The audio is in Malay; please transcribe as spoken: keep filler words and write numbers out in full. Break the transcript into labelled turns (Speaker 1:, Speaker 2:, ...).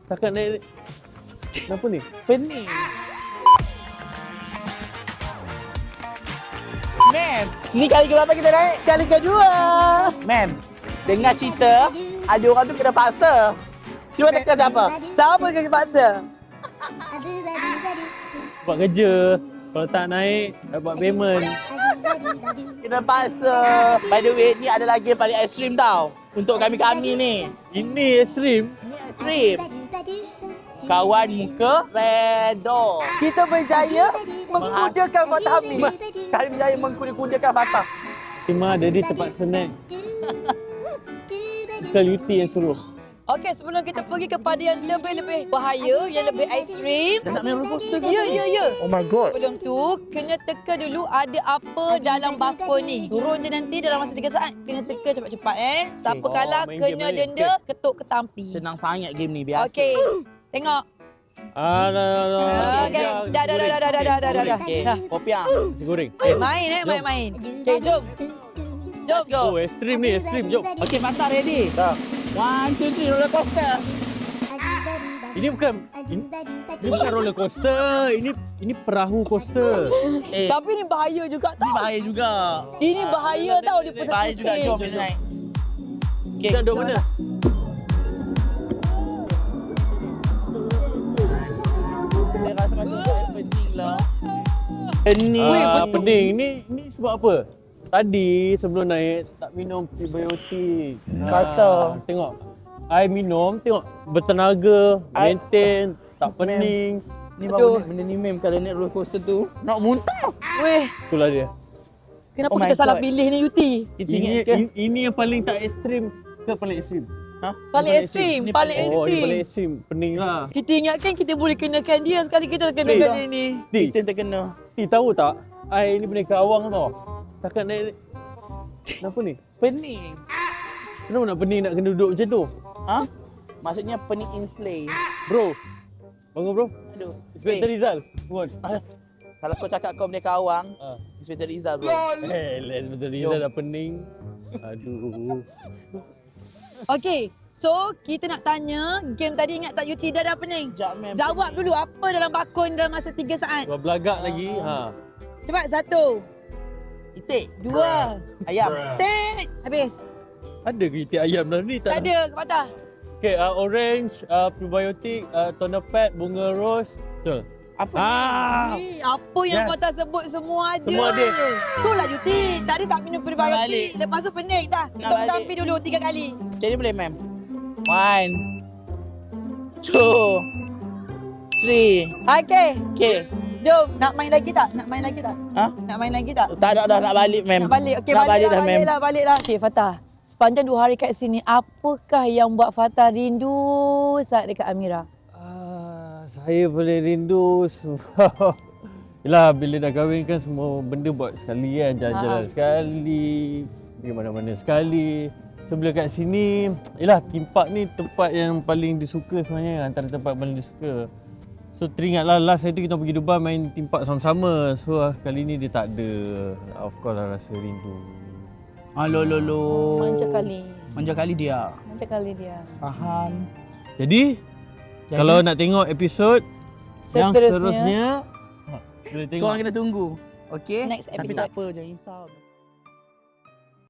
Speaker 1: Cakap naik. Kenapa ni?
Speaker 2: Pening. Ma'am, ni kali keberapa kita naik?
Speaker 3: Kali kedua.
Speaker 2: Ma'am, dengar cerita, ada orang tu kena paksa. Cuba teka siapa?
Speaker 3: Siapa kena paksa?
Speaker 1: Buat kerja. Kalau tak naik, dah buat payment.
Speaker 2: Kena paksa. By the way, ni ada lagi yang paling ekstrim tau. Untuk kami-kami ni.
Speaker 1: Ini ekstrim.
Speaker 2: Ni ekstrim. Kawan muka redo.
Speaker 3: Kita berjaya mengkudakan Fatah Hamid.
Speaker 2: Kami berjaya mengkuda-kudakan Fatah.
Speaker 1: Cuma ada di tempat snack. Bukan U T yang suruh.
Speaker 3: Okey, sebelum kita pergi kepada yang lebih-lebih bahaya, yang lebih ekstrim.
Speaker 2: Dah nak main roller coaster ke?
Speaker 3: Ya, ya, ya.
Speaker 2: Oh my god.
Speaker 3: Sebelum tu, kena teka dulu ada apa dalam bakul ni. Turun je nanti dalam masa tiga saat. Kena teka cepat-cepat eh. Siapa
Speaker 1: Okay.
Speaker 3: kalah,
Speaker 1: Oh, main
Speaker 3: kena
Speaker 1: game ni.
Speaker 3: denda, ketuk ketampi.
Speaker 2: Senang sangat game ni biasa.
Speaker 3: Okey, tengok.
Speaker 1: Ah, dah, dah, dah.
Speaker 3: Okey, dah, dah, dah, dah, dah, dah, dah, dah, dah, dah.
Speaker 2: Okey,
Speaker 3: Dah.
Speaker 2: kopiah.
Speaker 1: Nasi goreng.
Speaker 3: Eh, main eh, main-main. Okey, jom. Jom.
Speaker 2: Let's go.
Speaker 1: Oh, ekstrim ni, ekstrim. Jom.
Speaker 2: Okey, Fatah ready?
Speaker 1: Dah.
Speaker 2: One, two, three, roller coaster.
Speaker 1: Ini bukan ini, ini bukan roller coaster. Ini ini perahu coaster.
Speaker 2: Eh,
Speaker 3: Tapi ni bahaya juga
Speaker 2: ni
Speaker 3: tau.
Speaker 2: bahaya juga.
Speaker 3: Ini bahaya tau, dia
Speaker 2: Bahaya juga,
Speaker 3: pusing-pusing.
Speaker 2: jom kita naik. Okey,
Speaker 1: Kita duduk mana?
Speaker 2: Dia rasa macam tak pening lah. Pening.
Speaker 3: Weh,
Speaker 1: Ah,
Speaker 3: betul.
Speaker 1: pening. Ni ni sebab apa? Tadi sebelum naik tak minum prebiotik.
Speaker 2: Kata.
Speaker 1: Ah, tengok. I minum, tengok bertenaga,
Speaker 2: I-
Speaker 1: maintain, tak pening.
Speaker 2: Ni
Speaker 3: Aduh.
Speaker 2: baru benda ni mem kalau naik roller coaster tu nak muntah.
Speaker 3: Weh,
Speaker 1: Itulah dia.
Speaker 3: kenapa
Speaker 2: Oh my
Speaker 3: kita salah
Speaker 2: God.
Speaker 3: pilih ni Yuti?
Speaker 2: Kita
Speaker 1: Ini,
Speaker 2: ingat ke?
Speaker 1: ini ini yang paling tak ekstrim ke paling ekstrim?
Speaker 2: Ha?
Speaker 3: Paling
Speaker 1: Paling
Speaker 3: ekstrim,
Speaker 2: Ni
Speaker 3: paling
Speaker 1: Oh, ini
Speaker 3: ekstrim.
Speaker 1: paling ekstrim. Pening lah.
Speaker 3: Kita ingatkan kita boleh kenakan dia, sekali kita kenakan
Speaker 1: Eh,
Speaker 3: dia ni.
Speaker 1: Ti,
Speaker 2: Kita terkena.
Speaker 1: Ti tahu tak? I ni pendekar awang tau. Cakap naik. Kenapa ni?
Speaker 2: Pening.
Speaker 1: Kenapa nak pening nak kena duduk macam tu?
Speaker 2: Ha? Maksudnya pening in slay.
Speaker 1: Bro. Bangun bro.
Speaker 2: Aduh.
Speaker 1: Inspektor
Speaker 2: Eh,
Speaker 1: Rizal. Bangun.
Speaker 2: kalau kau cakap kau pendekar awang,
Speaker 1: Ah.
Speaker 2: Inspektor Rizal bro.
Speaker 1: Eh, Inspektor Rizal dah pening. Aduh.
Speaker 3: Okey, so kita nak tanya, game tadi ingat tak Yuti dah dah pening?
Speaker 2: Sekejap, mem.
Speaker 3: Jawab dulu apa dalam bakul dalam masa tiga saat.
Speaker 1: Dua belagak lagi. Ha.
Speaker 3: Cepat, satu,
Speaker 2: Itik.
Speaker 3: dua,
Speaker 2: Ayam.
Speaker 3: tet, habis.
Speaker 1: Ada ke itik ayam dalam ni?
Speaker 3: Tak
Speaker 1: Tak,
Speaker 3: ada, Patah.
Speaker 1: Okay, uh, orange, uh, probiotik, uh, toner pad, bunga rose. Betul.
Speaker 2: Apa
Speaker 1: Ah.
Speaker 3: Eh, apa yang
Speaker 1: Yes.
Speaker 3: Patah sebut semua ada.
Speaker 1: Semua ada.
Speaker 3: Itulah Yuti. Tadi tak minum
Speaker 2: Nak
Speaker 3: prebiotik.
Speaker 2: balik.
Speaker 3: Lepas tu pening dah.
Speaker 2: Nak
Speaker 3: Kita
Speaker 2: balik.
Speaker 3: tampi dulu tiga kali.
Speaker 2: Jadi boleh mem. One. Two. Three.
Speaker 3: Okey,
Speaker 2: Okay.
Speaker 3: jom. Nak main lagi tak? Nak main lagi tak?
Speaker 2: Ha?
Speaker 3: Nak main lagi tak?
Speaker 2: Tak ada dah nak balik mem.
Speaker 3: Nak balik. Okey,
Speaker 2: nak
Speaker 3: balik,
Speaker 2: balik
Speaker 3: lah,
Speaker 2: dah mem.
Speaker 3: balik lah, balik lah. Okey, Fatah. Sepanjang dua hari kat sini, apakah yang buat Fatah rindu saat dekat Amira?
Speaker 1: Ah, saya boleh rindu sebab yelah bila dah kahwin kan semua benda buat sekali kan, jalan-jalan
Speaker 3: Ha.
Speaker 1: sekali, pergi mana-mana sekali. So bila kat sini, yelah theme park ni tempat yang paling disuka sebenarnya, antara tempat paling disuka. So teringatlah last hari tu kita pergi Dubai main theme park sama-sama. So ah, kali ni dia tak ada. Of course lah rasa rindu.
Speaker 2: Alo lo lo.
Speaker 3: Manja kali.
Speaker 2: Manja kali dia.
Speaker 3: Manja kali dia.
Speaker 2: Faham.
Speaker 1: Jadi,
Speaker 2: Jadi?
Speaker 1: kalau nak tengok episod yang
Speaker 3: Seterusnya.
Speaker 1: seterusnya, ha, boleh tengok.
Speaker 2: Kau orang kena tunggu. Okey?
Speaker 3: Next
Speaker 2: Tapi
Speaker 3: episode.
Speaker 2: tak apa, jangan risau.